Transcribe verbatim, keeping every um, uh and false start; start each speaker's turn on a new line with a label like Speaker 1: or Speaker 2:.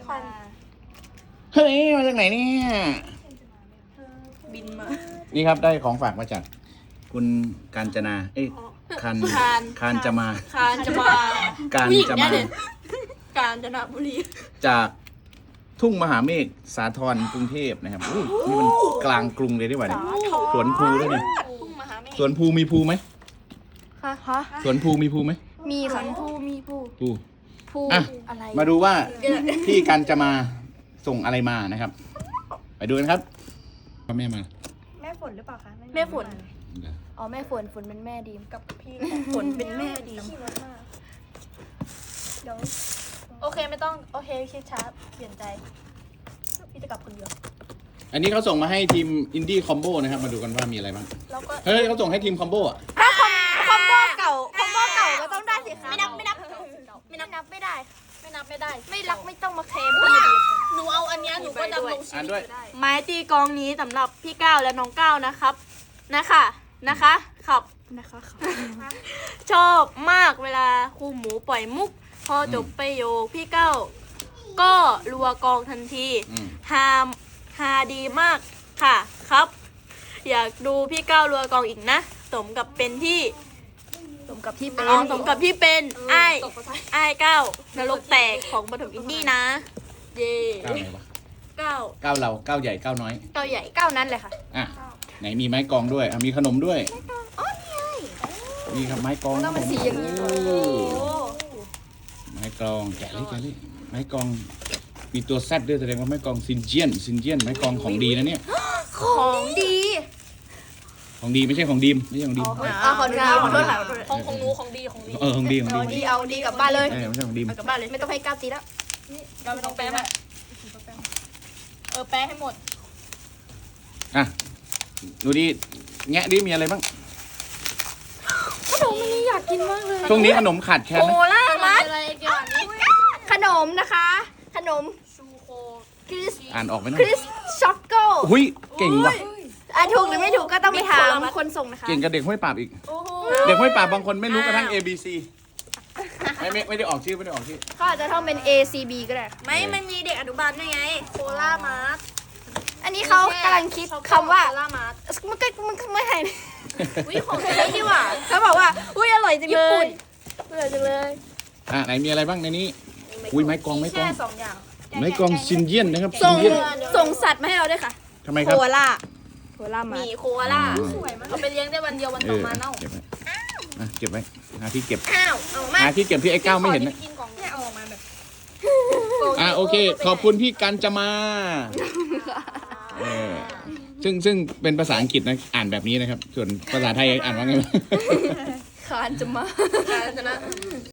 Speaker 1: จะมา
Speaker 2: เฮ้ยมาจากไหนเนี่ย
Speaker 1: บินมา
Speaker 2: นี่ครับได้ของฝากมาจาก คุณกาญจนาเอ้ยคัน
Speaker 1: คาน
Speaker 2: คานจะมา
Speaker 1: คานจะมา
Speaker 2: การ
Speaker 1: ผู้หญิง
Speaker 2: จะ
Speaker 1: แน่
Speaker 2: มา
Speaker 1: เลยกาญจนบุรี
Speaker 2: จากทุ่งมหาเมฆสาทรกรุงเทพนะครับอู้นี่มันกลางกรุงเลยดีกว่าเนี่ยสวนภูด้วยเนี่ย
Speaker 1: ทุ่งมหาเมฆ
Speaker 2: สวนภูมีภูไหม
Speaker 1: ฮะฮะ
Speaker 2: สวนภูมีภูไหม
Speaker 1: มีค่ะภูมีภู
Speaker 2: ภู
Speaker 1: ภู
Speaker 2: อ่ะ
Speaker 1: อะไร
Speaker 2: มาดูว่าพี่กันจะมาส่งอะไรมานะครับ ไปดูกันครับพ่อแม่มา
Speaker 3: แม่ฝนหรือเปล่าคะ
Speaker 1: แม่ฝนอ๋อแม่ฝนฝนเป็นแม่ดีม
Speaker 3: กับพี่
Speaker 1: ฝนเป็นแม่ดีม
Speaker 3: ขี้รถมากเดี๋ยว
Speaker 1: โอเคไม่ต้องโอเคคิดช้าเปลี่ยนใจพี่จะกลับคนเดียว
Speaker 2: อันนี้เขาส่งมาให้ทีมอินดี้คอมโบนะครับมาดูกันว่ามีอะไรบ้าง
Speaker 1: แล้วก็
Speaker 2: เฮ้ยเขาส่งให้ทีมคอมโบอ่ะ
Speaker 1: ถ้าคอมคอมโบเก่าคอมโบเก่าก็ต้องได้สิคะไม่นับไม่นับไม่นับนับไม่ได้ ไม่นับไม่ได้ ไม่รักไม่ต้องมาเคลมหนูเอาอันนี้หนูก็ดำรงชี
Speaker 2: อ่าน
Speaker 1: วิต
Speaker 2: ด้วย
Speaker 1: ไม้ตีกองนี้สำหรับพี่ก้าวและน้องก้าวนะครับนะคะนะคะขับนะคะชอบมากเวลาครูหมูปล่อยมุก พอจบประโยคพี่ก้าวก็รัวกองทันที
Speaker 2: อืม
Speaker 1: ฮาฮาดีมากค่ะครับ อยากดูพี่ก้าวรัวกองอีกนะ สมกับเป็นที่ สมกับที่เป็นสมกับที่เป็นไอ้ไอ้ก้าวนรกแตกของปฐมอินดี้นะ เย่
Speaker 2: ก้าวไหนวะ
Speaker 1: ก้าว
Speaker 2: ก้าวเราก้าวใหญ่ก้าวน้อย
Speaker 1: ก้าวใหญ่ก้าวนั้นเลยค่ะ
Speaker 2: อ่ะไหนมีไม้กลองด้วยอ่ะมีขนมด้วย
Speaker 1: อ๋อนี่ไง
Speaker 2: นี่ครับไม้กลอง
Speaker 1: ต้องเป็นสีอย่างนี้
Speaker 2: โอ้
Speaker 1: โอ้
Speaker 2: ไม้กลองแกะเลยแกะเลยไม้กลองมีตัวแซดด้วยแสดงว่าไม้กลองซินเจียนซินเจียนไม้กลองของดีนะเนี่ย
Speaker 1: ของดี
Speaker 2: ของดีไม่ใช่ของดีมไม่ใช่ของดีม
Speaker 1: อ่าของดีของโทษค่ะของของหนูของดีของดี
Speaker 2: เออของดีของดี
Speaker 1: เอาดีเอาดีกลับบ้านเลย
Speaker 2: เออไม่ใช่ของดีม
Speaker 1: เอากลับบ้านเลยไม่ต้องให้ก้าวตีแล้วเราไม่ต้องแปะมาเออแปะให้หมด
Speaker 2: อ่ะดูดิแงะดิมีอะไรบ้าง
Speaker 1: ขนมอันนี้อยากกินมากเลย
Speaker 2: ช่วงนี้ขนมขาดแคลน
Speaker 1: โค
Speaker 2: นะ
Speaker 1: ล่ามัดขนมนะคะ ขนมชูโคคริส
Speaker 2: อ่านออกไหมนะ
Speaker 1: คริสช็อกโก
Speaker 2: หุ้ยเก่งว่ะ
Speaker 1: อ่ะถูกหรือไม่ถูกก็ต้องไปถามคนส่งนะคะ
Speaker 2: เก่งกับเด็กห้วยปราบอีก เด็กห้วยปราบบางคนไม่รู้กระทั่ง A B C ไม่ไม่ไม่ได้ออกชื่อไม่ได้ออกชื่อ
Speaker 1: เขาอาจจะท่องเป็น A C B ก็ได้ไม่มันมีเด็กอนุบาลด้วยไงโคล่ามาร์อันนี้เขากำลังคิดคำว่าโคล่ามาร์มันก็มันก็ไม่ให้อุ้ยของใช้ดีว่ะเขาบอกว่าอุ้ยอร่อยจังเลยอร่อยจังเลย
Speaker 2: อ่ะไหนมีอะไรบ้างในนี้ อุ้ยไม้กลองไม้กลอง
Speaker 1: แค่สองอย่าง
Speaker 2: ไม้กลองซินเยียนนะครับซิ
Speaker 1: ส่
Speaker 2: น
Speaker 1: ง
Speaker 2: เยียน
Speaker 1: ส่งสัตว์มาให้เราด้วยค่ะ
Speaker 2: ทำไมค
Speaker 1: โครับ ล่าโคล่ามามีโคล่า
Speaker 2: อ๋อ
Speaker 1: สวยมากเอาไปเลี้ยงได้วันเดียววัน
Speaker 2: เอ
Speaker 1: ต่อ
Speaker 2: อ
Speaker 1: มาเน่า
Speaker 2: เก็บไว้อ่ะเก็บไว้หาที่เก็บ
Speaker 1: อ้าวเอามา
Speaker 2: หาที่เก็บที่ไอ้ก้าวไม่เห็นนะ
Speaker 1: กินของเนี่ยเอาออกมาแบบ
Speaker 2: อ่ะโอเค ขอบคุณพี่กันจะมาเออซึ่งซึ่งเป็นภาษาอังกฤษนะอ่านแบบนี้นะครับ ส่วนภาษาไทยอ่านว่าไง
Speaker 1: คานจะมาคานจะนะ